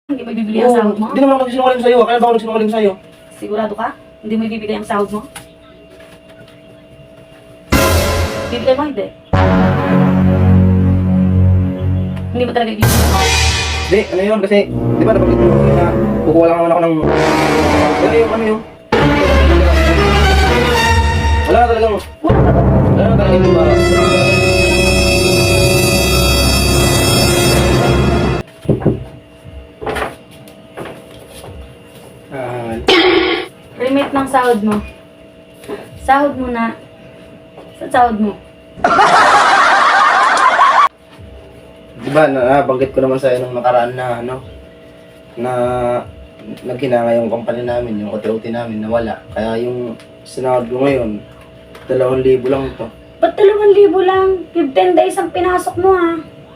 Hindi mo ibibigay ang sahod mo? Hindi naman ako nagsinungaling sa'yo. Kaya ba ako nagsinungaling sa'yo? Sigurado ka? Hindi mo ibibigay ang sahod mo? Bibigay mo, hindi. Hindi mo talaga ibibigay. Hindi, ano yun? Kasi, di ba nabanggit mo na kukuha lang naman ako ng... Ano yun? Wala na talagang... Wala na talagang iba. Remit ng sahod mo. Sahod mo na. Saan sahod mo? Diba, nabanggit ko naman sa'yo nung nakaraan na, ano, na naghinanga yung company namin, yung OT-OT namin, nawala. Kaya yung sinahod ko ngayon, 2,000 lang to. Ba't 2,000 lang? 15 days ang pinasok mo, ha?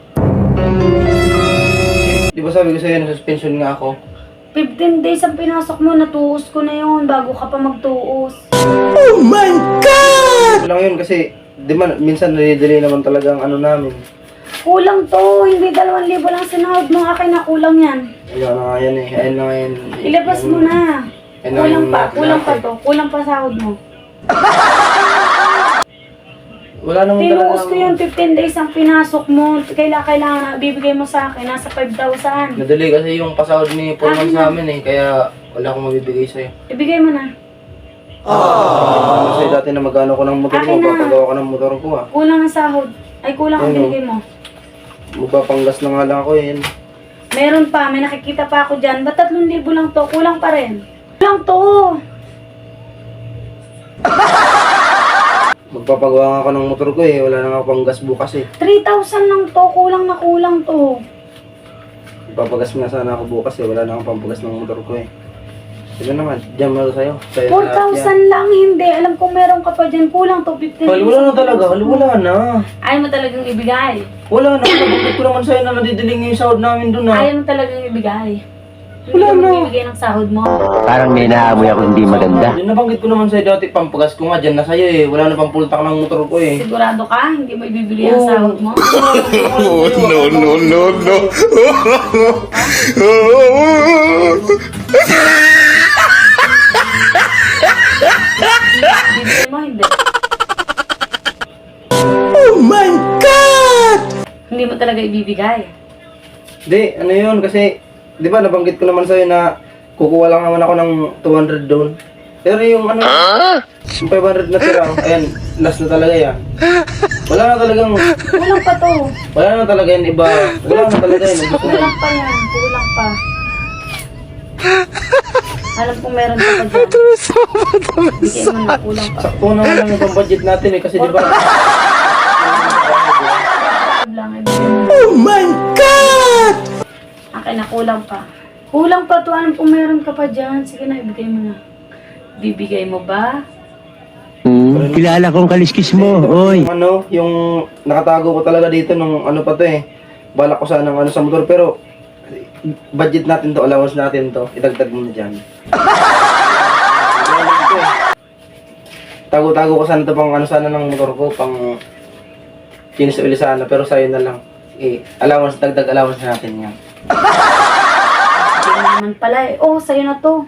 Di ba sabi ko sa'yo, na-suspension nga ako? 15 days ang pinasok mo, natuos ko na yun bago ka pa magtuos. Oh my God! Lang yun kasi, di ba, minsan nalidelay naman talaga ang ano namin. Kulang to, hindi 2,000 lang sinahod mo, akin na kulang yan. Ayun na nga yan eh, ayun na nga yan. Ilabas mo na. Ayun na Kulang yung pa, lahat kulang pa natin. to, kulang pa sahod mo. Wala naman Tinuos ko yung 15 days ang pinasok mo, kailangan na bibigay mo sa akin, nasa 5,000. Nadali kasi yung pasahod ni Pullman Ah, sa amin eh, kaya wala akong mabibigay sa'yo. Ibigay mo na. Kasi dati na magano ko ng motor ko, Akin na. papagawa ko ng motor ko ah. Kulang ang sahod. Ay, kulang ang Ano? binigay mo. Magpapanggas na nga lang ako eh. Meron pa, may nakikita pa ako dyan. Ba't 3,000 lang to? Kulang pa rin. Kulang to. Magpapagawa nga ako ng motor ko eh, wala na nga pang gas bukas eh. 3,000 lang to. Kulang na kulang to. Magpapagas nga sana ako bukas eh, wala na akong pampagas ng motor ko eh. Sino naman, dyan mo sa'yo. Sa'yo na lahat yan. 4,000 lang, hindi. Alam kong meron ka pa dyan. Kulang to, 15 Hal, wala na talaga, hal, wala na. Ayaw mo talagang ibigay. Wala na, nabanggit ko naman sa'yo na nadidiling yung sahod namin dun ah. Ayaw mo talagang ibigay. Hindi Wala ka na. magbibigay ng sahod mo. Parang may naamoy ako hindi maganda. Yung nabanggit ko naman sa'yo dati, pampagas ko nga dyan na sa'yo eh. Wala na pang full tank ng motor ko eh. Sigurado ka? Hindi mo ibibigay ang sahod mo? No, no. Bibigay mo, hindi. Oh my God! Hindi mo talaga ibibigay. Di, ano yun, kasi, di ba nabanggit ko naman sa'yo na kukuha lang naman ako ng 200 doon. Pero yung ano, yung 500 na tira, ayan, last na talaga yan. Wala na talagang, Kulang pa to. wala na talaga yan iba. Wala na talaga yan. Gusto ko na. Kulang pa yan. Kulang pa. Alam kong meron ka pa dyan. Bigay mo na, kulang pa. Sakto naman lang yung budget natin eh, kasi di ba? Lang, ibigay mo. Oh my God! Akin na, kulang pa. Kulang pa to. Alam kong meron ka pa dyan. Sige na, ibigay mo na. Bibigay mo ba? Kilala kong kaliskis mo, oy. Yung ano, yung nakatago ko talaga dito nung ano pa to eh. Balak ko sana ng ano sa motor, pero budget natin to, allowance natin to. Idagdag mo na dyan. Tago-tago ko sana to pang ano sana ng motor ko, pang kinis uli sana, pero sa'yo na lang. Allowance, dagdag allowance natin yan. Hindi mo naman pala eh. Oh, sa'yo na to.